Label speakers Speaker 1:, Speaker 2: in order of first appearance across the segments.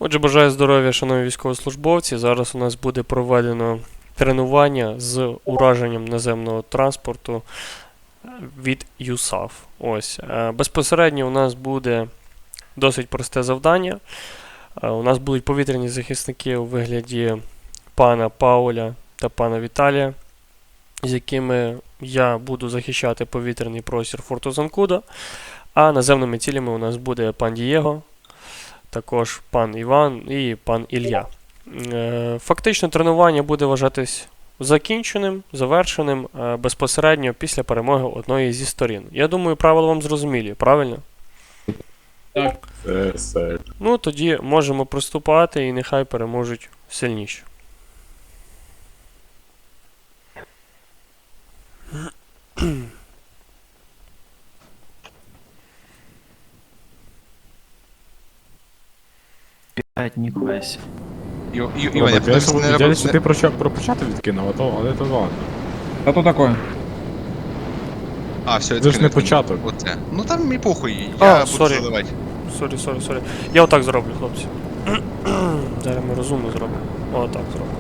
Speaker 1: Отже, бажаю здоров'я, шановні військовослужбовці. Зараз у нас буде проведено тренування з ураженням наземного транспорту від ЮСАФ. Ось. Безпосередньо у нас буде досить просте завдання. У нас будуть повітряні захисники у вигляді пана Пауля та пана Віталія, з якими я буду захищати повітряний простір форту Занкуда. А наземними цілями у нас буде пан Дієго, також пан Іван і пан Ілля. Фактично тренування буде вважатись закінченим, завершеним безпосередньо після перемоги одної зі сторін. Я думаю, правила вам зрозумілі, правильно?
Speaker 2: Так.
Speaker 1: Ну, тоді можемо приступати і нехай переможуть сильніші.
Speaker 3: Ніхуя сі.
Speaker 2: Іван, я подивився, не
Speaker 4: Дядя, що ти про початок відкинув, але то ладно.
Speaker 3: А то такое?
Speaker 2: А, все,
Speaker 4: Це ж не початок.
Speaker 2: Оце. Ну там мій похуй,
Speaker 1: А,
Speaker 2: я буду
Speaker 1: сорі.
Speaker 2: заливати.
Speaker 1: Сорі. Я отак зроблю, хлопці. Зараз ми розумно зробимо. Отак зробимо.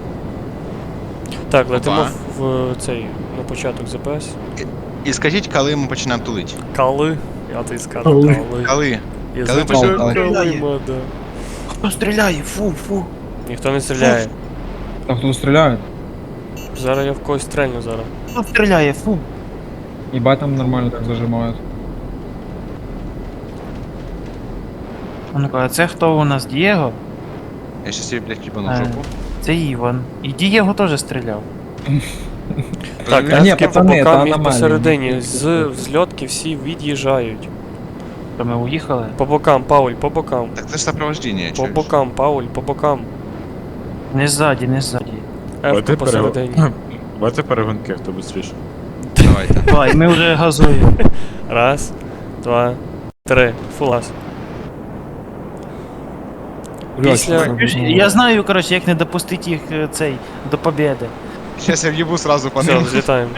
Speaker 1: Так, летимо
Speaker 2: Опа.
Speaker 1: в цей, на початок ЗПС.
Speaker 2: І скажіть, коли ми починаємо тулити.
Speaker 1: Кали. Я тобі скажу,
Speaker 4: Кали.
Speaker 1: кали.
Speaker 2: Коли?
Speaker 1: Я
Speaker 2: Коли
Speaker 1: запишу
Speaker 3: починаємо?
Speaker 1: калима, да.
Speaker 3: Хто стріляє? Фу.
Speaker 1: Ніхто не стріляє.
Speaker 3: А хто стріляє?
Speaker 1: Зараз я в когось стрельну зараз.
Speaker 3: Хто стріляє? Фу. Ебать там нормально так зажимають.
Speaker 5: Ну-ка, а це хто у нас? Дієго?
Speaker 2: Я щас її, блядь, їбану в жопу.
Speaker 5: Це Іван. І Дієго теж стріляв.
Speaker 1: Так,
Speaker 3: Та ні,
Speaker 1: ефки по
Speaker 3: пацани, це
Speaker 1: бокам і
Speaker 3: аномалії.
Speaker 1: посередині. З взльотки всі від'їжджають.
Speaker 5: То ми уїхали.
Speaker 1: По бокам, Пауль, по бокам.
Speaker 2: Так це ж сопровождение,
Speaker 1: По
Speaker 2: чуєш?
Speaker 1: бокам, Пауль, по бокам.
Speaker 5: Не ззаді.
Speaker 1: Ефка посередині.
Speaker 4: Давайте перегонки, хто швидше.
Speaker 2: Давайте.
Speaker 5: Давай, ми вже газуємо.
Speaker 1: Раз, два, три. Фулас. Після...
Speaker 5: Я знаю, коротше, як не допустити їх до побєди.
Speaker 2: Щас я в'їбу сразу по
Speaker 1: Все,
Speaker 2: ним.
Speaker 1: взлітаємо.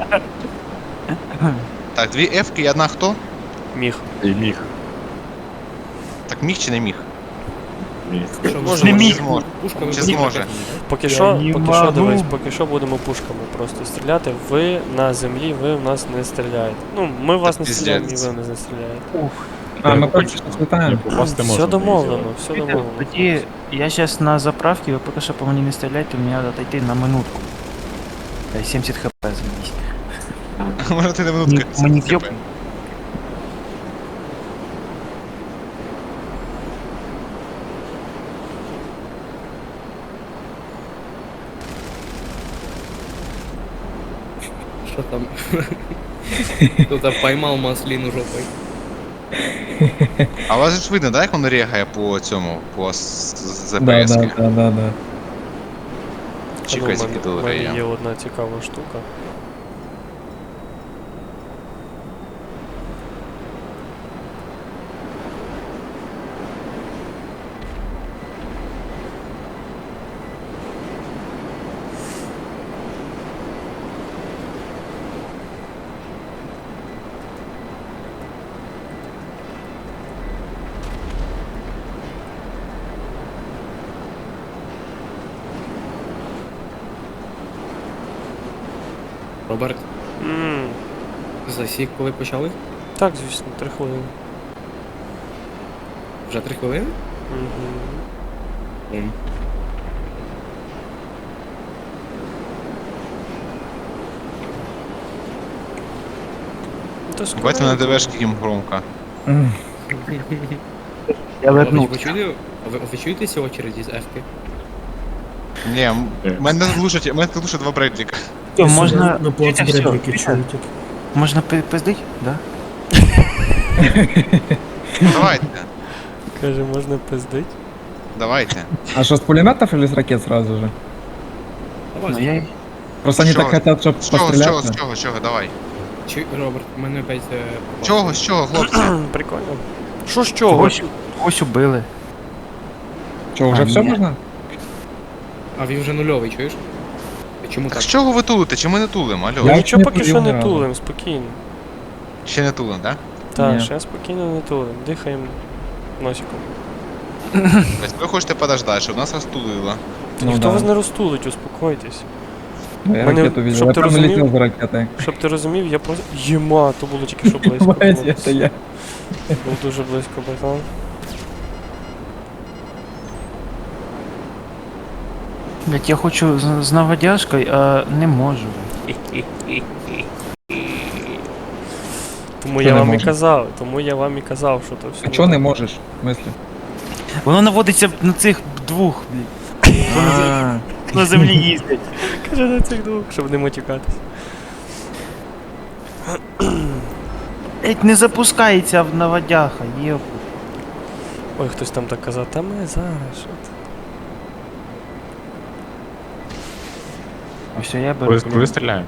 Speaker 2: Так, дві F-ки і одна хто?
Speaker 1: Міг.
Speaker 4: І міг.
Speaker 2: Так міг чи не міг?
Speaker 4: Міг.
Speaker 1: Може,
Speaker 5: Не
Speaker 1: може.
Speaker 5: міг.
Speaker 2: Чи зможе?
Speaker 1: Поки
Speaker 5: Я
Speaker 1: що,
Speaker 5: не
Speaker 1: поки що,
Speaker 5: можу.
Speaker 1: дивись, поки що будемо пушками просто стріляти. Ви на землі, ви в нас не стріляєте. Ну, ми в вас не
Speaker 2: Та
Speaker 1: стріляємо, і
Speaker 2: пиздець.
Speaker 1: ви не стріляєте.
Speaker 3: А, ми
Speaker 4: Попасти
Speaker 3: просто слітаємо.
Speaker 4: Попасти можна.
Speaker 1: Все домовлено, все
Speaker 5: Тоді,
Speaker 1: домовлено.
Speaker 5: я зараз на заправці, ви поки що по мені не стріляйте, мені треба отойти на минутку. Дай 70 хп змінись.
Speaker 2: Може ти на минутку.
Speaker 5: Мені в'єб.
Speaker 6: Что там? Кто-то поймал маслину жопой.
Speaker 2: А у вас же ж видно, да, як воно регає по цьому, по
Speaker 3: Да.
Speaker 2: ЗПС-ки? Чекай,
Speaker 1: У
Speaker 2: закидали
Speaker 1: мене
Speaker 2: я.
Speaker 1: є одна цікава штука.
Speaker 6: Роберт,
Speaker 1: Ммм,
Speaker 6: засік, коли почали?
Speaker 1: так, звісно, 3 хвилини.
Speaker 6: Вже 3 хвилини?
Speaker 1: Угу.
Speaker 2: Бать на ДВшки їм громко.
Speaker 5: Я
Speaker 6: А
Speaker 5: верну.
Speaker 6: ви чуєтеся очереди з F-ки?
Speaker 2: Ні, мене глушать два Бредліка.
Speaker 5: Що, можна...
Speaker 7: На плац
Speaker 5: Чекай, всьо,
Speaker 7: Бредліки
Speaker 5: чекай.
Speaker 7: чують.
Speaker 5: Можна пиздить? Да?
Speaker 2: Давайте,
Speaker 1: Каже, можна пиздить?
Speaker 2: давайте.
Speaker 3: А что, с пулеметов или с ракет сразу же?
Speaker 6: Давай.
Speaker 5: Ну, я...
Speaker 3: Просто они
Speaker 2: С чего?
Speaker 3: так хотят, чтобы
Speaker 2: З чого,
Speaker 3: пострелять.
Speaker 2: з чого, давай.
Speaker 6: Роберт, мене опять...
Speaker 2: З чого, хлопці?
Speaker 1: Прикольно. Що з чого?
Speaker 5: Когось убили.
Speaker 3: Что, уже
Speaker 5: А,
Speaker 3: все
Speaker 5: нет.
Speaker 3: можно?
Speaker 6: А він вже нульовий, чуєш? Чому
Speaker 2: Так
Speaker 6: так?
Speaker 2: з чого ви тулите? Чи ми не тулимо, алло?
Speaker 3: Я-
Speaker 1: Нічого
Speaker 3: не
Speaker 1: поки
Speaker 3: тулив
Speaker 1: що
Speaker 3: ні
Speaker 1: не
Speaker 3: разу.
Speaker 1: тулим, спокійно.
Speaker 2: Ще не тулимо, да?
Speaker 1: Так,
Speaker 3: Ні.
Speaker 1: ще спокійно не тулим. Дихаємо носиком.
Speaker 2: Тобто ви хочете подождати, щоб нас розтулило.
Speaker 1: Ніхто
Speaker 3: да.
Speaker 1: вас не розтулить, успокойтесь.
Speaker 3: Я
Speaker 1: Мене-
Speaker 3: ракету видел.
Speaker 1: щоб
Speaker 3: Я
Speaker 1: ти
Speaker 3: прям
Speaker 1: розумів-
Speaker 3: летел за ракетой.
Speaker 1: Щоб ти розумів, я просто. Єма, то було тільки що близько.
Speaker 3: Понимаете,
Speaker 1: було.
Speaker 3: это я.
Speaker 1: Був дуже близько, братан.
Speaker 5: Блять, я хочу з наводяжкою, а не можу.
Speaker 1: Тому
Speaker 3: Що
Speaker 1: я
Speaker 3: не
Speaker 1: вам і
Speaker 3: можеш?
Speaker 1: казав, що то все.
Speaker 3: А чё не можешь? В смысле?
Speaker 5: Воно наводиться на цих двох, блядь. На землі їздять.
Speaker 1: Каже на цих двох, щоб не матюкатись.
Speaker 5: Блять, не запускається в наводяха, єп.
Speaker 1: Ой, хтось там так казав, та ми зараз, що ти.
Speaker 5: А все, я беру.
Speaker 4: Коли стріляємо?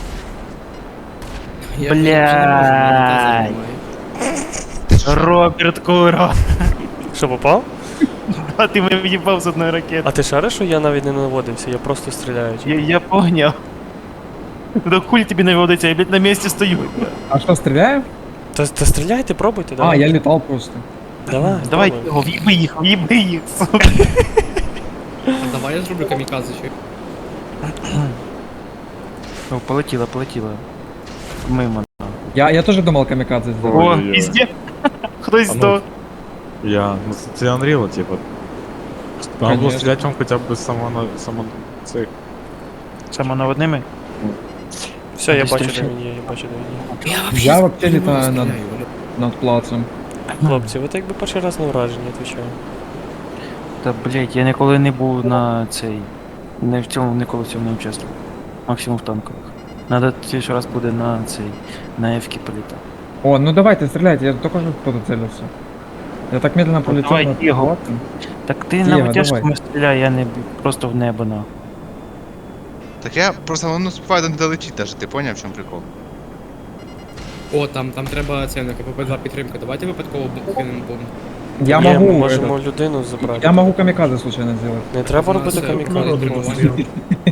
Speaker 6: Я вже не можу, мене таза
Speaker 5: Блядь.
Speaker 6: немає.
Speaker 5: Роберт Куро.
Speaker 1: Що, попав?
Speaker 5: А ти мене в'їбав з одної ракети.
Speaker 1: А ти шариш, що я навіть не наводився, я просто стріляю.
Speaker 5: Я поняв. Да хуй тобі наводиться, я, блядь, на місці стою.
Speaker 3: А что, стреляем?
Speaker 1: Та стріляйте, пробуйте,
Speaker 3: А,
Speaker 1: давай.
Speaker 3: я летал просто.
Speaker 1: Давай,
Speaker 5: Давай,
Speaker 1: пробуй.
Speaker 5: його, в'їби їх, сука.
Speaker 6: А давай я зроблю камікадзе, що?
Speaker 5: О, полетіла. Мимо.
Speaker 3: Я тоже думал камикадзе сделать.
Speaker 5: О,
Speaker 4: Ой-ой-ой.
Speaker 5: пізде. Хтось
Speaker 4: А ну,
Speaker 5: здох.
Speaker 4: Ну це Unreal, типу. Треба було
Speaker 3: Конечно.
Speaker 4: стріляти вам хоча б само цих.
Speaker 5: Самонаводними?
Speaker 1: Все, я
Speaker 5: Десь
Speaker 1: бачу,
Speaker 5: тричі.
Speaker 1: де він є, я бачу, де він є.
Speaker 3: Я вообще
Speaker 6: не
Speaker 3: летаю
Speaker 6: стріляю,
Speaker 3: над,
Speaker 6: Оля.
Speaker 3: над плацем.
Speaker 1: Хлопці, ви так якби перший раз на враження, відповідаю.
Speaker 5: Та, блять, я ніколи не був на цей. Ніколи в цьому не участвував. Максимум в танкових. Надо ще раз буде на цей. На Ефкі політати.
Speaker 3: О, ну давайте, стреляйте, я только что кто-то целился. Я так медленно полетел
Speaker 5: давай,
Speaker 3: над
Speaker 5: Диего.
Speaker 3: плацем.
Speaker 5: Так ти
Speaker 3: Дієго,
Speaker 5: на
Speaker 3: давай.
Speaker 5: витяжками стріляй, я не просто в небо на.
Speaker 2: Так я просто воно співаю не долетіть даже, ти поняв, в чому прикол?
Speaker 6: О, там треба це на КПП-2 підтримка. Давайте випадково кинемо бомбу.
Speaker 3: Я
Speaker 1: Є, ми
Speaker 3: могу,
Speaker 1: можемо
Speaker 3: этот,
Speaker 1: людину забрати.
Speaker 3: я могу камикадзе случайно сделать.
Speaker 1: Не треба
Speaker 6: У нас
Speaker 1: робити
Speaker 6: це
Speaker 1: камікадзе
Speaker 6: народу
Speaker 1: просто.
Speaker 6: було.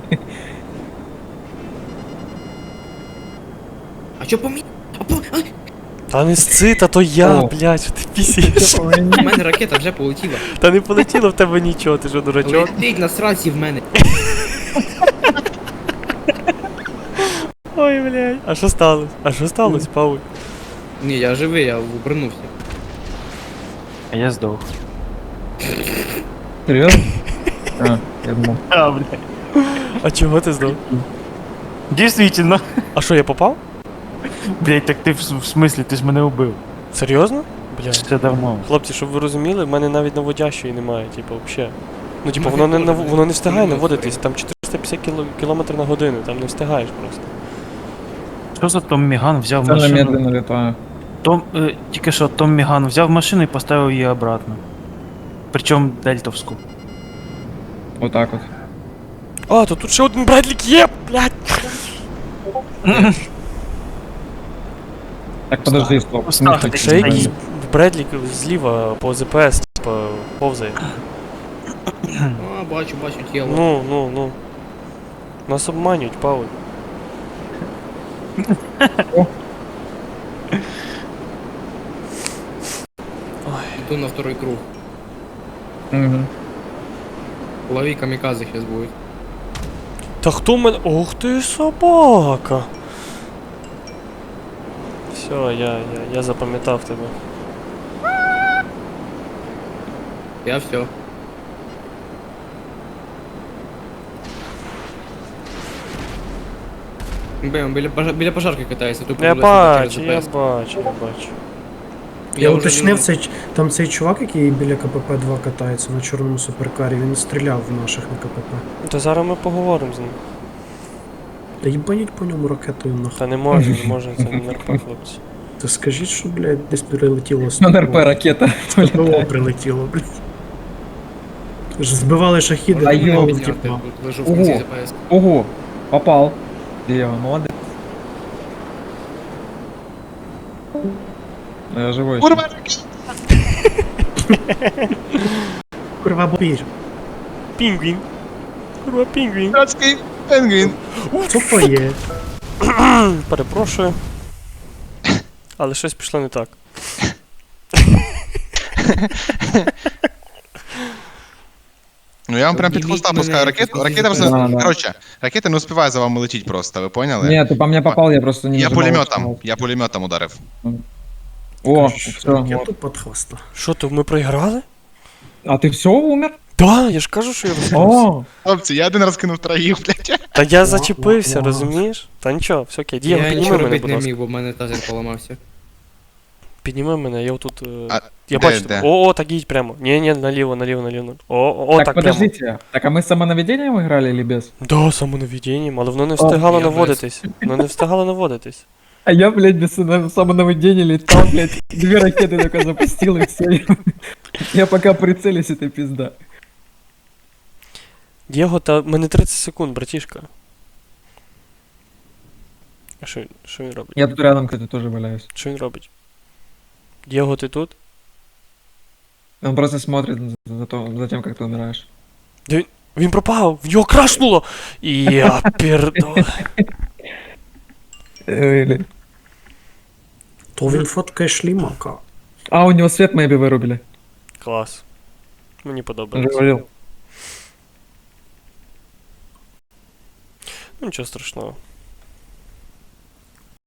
Speaker 6: А чо по мені?
Speaker 1: Та не сци, та то я,
Speaker 3: О.
Speaker 1: блядь, що ти пісієш.
Speaker 6: У мене ракета вже полетіла.
Speaker 1: Та не полетіло в тебе нічого, ти що, дурачок?
Speaker 6: Летить на сраці в мене.
Speaker 1: Ой, блядь. А що сталося? А що сталося, Павло?
Speaker 6: Ні, я живий, я обернувся.
Speaker 5: А я здох.
Speaker 3: Серьезно? А, я думал.
Speaker 5: А, блядь.
Speaker 1: А чого ти здав?
Speaker 5: Дійсно.
Speaker 1: А що, я попав?
Speaker 5: Блять, так ти в смислі, ти ж мене убив.
Speaker 1: Серйозно? Блядь.
Speaker 5: Це давно.
Speaker 1: Хлопці, щоб ви розуміли, в мене навіть наводящої немає, типу, взагалі. Ну, типу, воно не встигає наводитись, там 450 км на годину, там не встигаєш просто.
Speaker 5: Що за Том Міган взяв
Speaker 3: Сильно
Speaker 5: машину?
Speaker 3: медленно летаю.
Speaker 5: Тільки що Том Міган взяв машину і поставив її обратно. Причому дельтовську.
Speaker 3: Вот так вот.
Speaker 1: А, то тут ще один Бредлік є, блядь!
Speaker 3: Так, подожди, стоп.
Speaker 5: Поставь,
Speaker 3: Ну,
Speaker 5: так
Speaker 1: Ще якийсь
Speaker 3: стоит.
Speaker 1: Бредлік зліва по ЗПС, типу, повзає.
Speaker 6: А, бачу тіло.
Speaker 1: Ну. Нас обманюють, Павло.
Speaker 6: Иду на второй круг.
Speaker 3: Мгм.
Speaker 6: Лови камикадзе сейчас будет.
Speaker 1: Та хто мене. Ох ти собака! Все, я запам'ятав тебе.
Speaker 6: Я все. Блин, біля пожарки катається, тупо
Speaker 1: Я
Speaker 6: вилазить через
Speaker 1: бачу.
Speaker 6: ДПС.
Speaker 7: Я
Speaker 6: вже
Speaker 7: уточнив,
Speaker 6: люблю.
Speaker 7: там цей чувак, який біля КПП-2 катається на чорному суперкарі, він стріляв в наших на КПП.
Speaker 1: То зараз ми поговоримо з ним.
Speaker 7: Та їбаніть по ньому ракетою нахуй.
Speaker 1: Та не можна, це не НРП, хлопці.
Speaker 7: Та скажіть, що, блядь, десь прилетіло з
Speaker 3: На РП ракета.
Speaker 7: ППО прилетіло, блядь. Ж збивали шахіди,
Speaker 3: А
Speaker 7: ну,
Speaker 3: йо,
Speaker 7: мабуть,
Speaker 6: Підняти,
Speaker 7: типа.
Speaker 6: тут лежу в кінці
Speaker 3: Ого.
Speaker 6: ДПС.
Speaker 3: Ого, попал. Диего, молодец. Ну, я живой.
Speaker 2: Курва!
Speaker 7: Курва бобір.
Speaker 1: Пінгвін. Курва, пінгвін.
Speaker 2: Братський пенгвін!
Speaker 7: Що то є?
Speaker 1: Перепрошую. Але щось пішло не так.
Speaker 2: Ну я вам прям під
Speaker 6: Обніміть
Speaker 2: хвоста
Speaker 6: мене,
Speaker 2: пускаю
Speaker 6: я
Speaker 2: ракету.
Speaker 6: просто
Speaker 2: Ракета
Speaker 6: не
Speaker 2: просто.
Speaker 3: знаю.
Speaker 2: Коротше, ракета не успіває за вами летіть просто, ви поняли?
Speaker 3: Нет, ты по мне попал, я просто не
Speaker 2: Я
Speaker 3: нажимал
Speaker 2: пулеметом.
Speaker 3: нажимал.
Speaker 2: Я пулеметом ударив.
Speaker 3: О,
Speaker 7: Кажеш,
Speaker 3: все,
Speaker 7: ракету під хвоста.
Speaker 1: Що то, ми проіграли?
Speaker 3: А ты все умер?
Speaker 1: Да, я ж кажу, що я розкрився.
Speaker 3: О,
Speaker 2: Хлопці, я один раз кинув троїх, блядь.
Speaker 1: Та я зачепився,
Speaker 7: Ва-ва-ва.
Speaker 1: розумієш? Та нічого, все окей. Дієго,
Speaker 6: Я
Speaker 1: підніми
Speaker 6: нічого
Speaker 1: мене,
Speaker 6: робити
Speaker 1: будь
Speaker 6: не
Speaker 1: ласка.
Speaker 6: міг, бо в мене тазер поламався.
Speaker 1: Підніми мене, я отут.
Speaker 2: А,
Speaker 1: Я
Speaker 2: де,
Speaker 1: бачу тебе.
Speaker 2: де?
Speaker 1: О, так їдь прямо. Ні, наліво, наліво, наліво. О,
Speaker 3: так
Speaker 1: так
Speaker 3: подождите. Так а мы с самонаведением играли или без?
Speaker 1: прямо. Да, самонаведінням, але воно не встигало
Speaker 6: я без.
Speaker 1: наводитись. Воно не встигало наводитись.
Speaker 3: А я, блядь, без самонаведения летал, блядь, 2 ракеты только запустил и все. Я пока прицелюсь, это пизда.
Speaker 1: Дієго, та в мене 30 секунд, братішка. А що він робить?
Speaker 3: Я тут рядом, кстати, тоже валяюсь.
Speaker 1: Що він робить? Дієго, ти тут?
Speaker 3: Он просто смотрит за тем, как ты умираешь.
Speaker 1: Він пропав, в нього крашнуло! І я пердо.
Speaker 7: То він фоткає шлімака.
Speaker 3: А, у него свет мэйби вырубили.
Speaker 1: Клас. Мені
Speaker 3: Он же
Speaker 1: подобається.
Speaker 3: говорил.
Speaker 1: Ну нічого страшного.